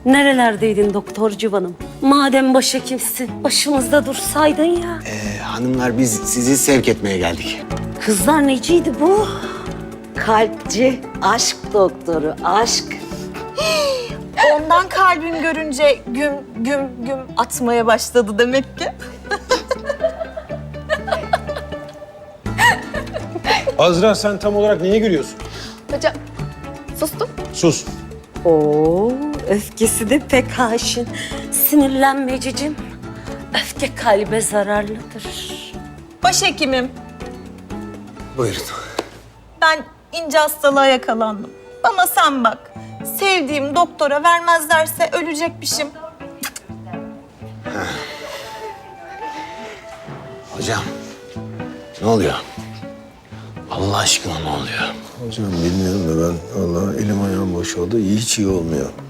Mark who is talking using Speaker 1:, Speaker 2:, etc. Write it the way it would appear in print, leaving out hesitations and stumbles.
Speaker 1: Nerelerdeydin doktor civanım? Madem başhekimsin, başımızda dursaydın ya.
Speaker 2: Hanımlar biz sizi sevk etmeye geldik.
Speaker 1: Kızlar neciydi bu? Kalpçi, aşk doktoru, aşk.
Speaker 3: Ondan kalbin görünce güm güm güm atmaya başladı demek ki.
Speaker 4: Azra sen tam olarak neye gülüyorsun?
Speaker 3: Hocam sustum.
Speaker 4: Sus.
Speaker 1: Oo, öfkesi de pek haşin. Sinirlenme cicim. Öfke kalbe zararlıdır.
Speaker 3: Başhekimim,
Speaker 2: Buyurun.
Speaker 3: ben ince hastalığa yakalandım. Bana sen bak. Sevdiğim doktora vermezlerse ölecekmişim.
Speaker 2: Hocam ne oluyor? Allah aşkına ne oluyor?
Speaker 5: Hocam bilmiyorum da ben vallahi elim ayağım boşaldı. Hiç iyi olmuyor.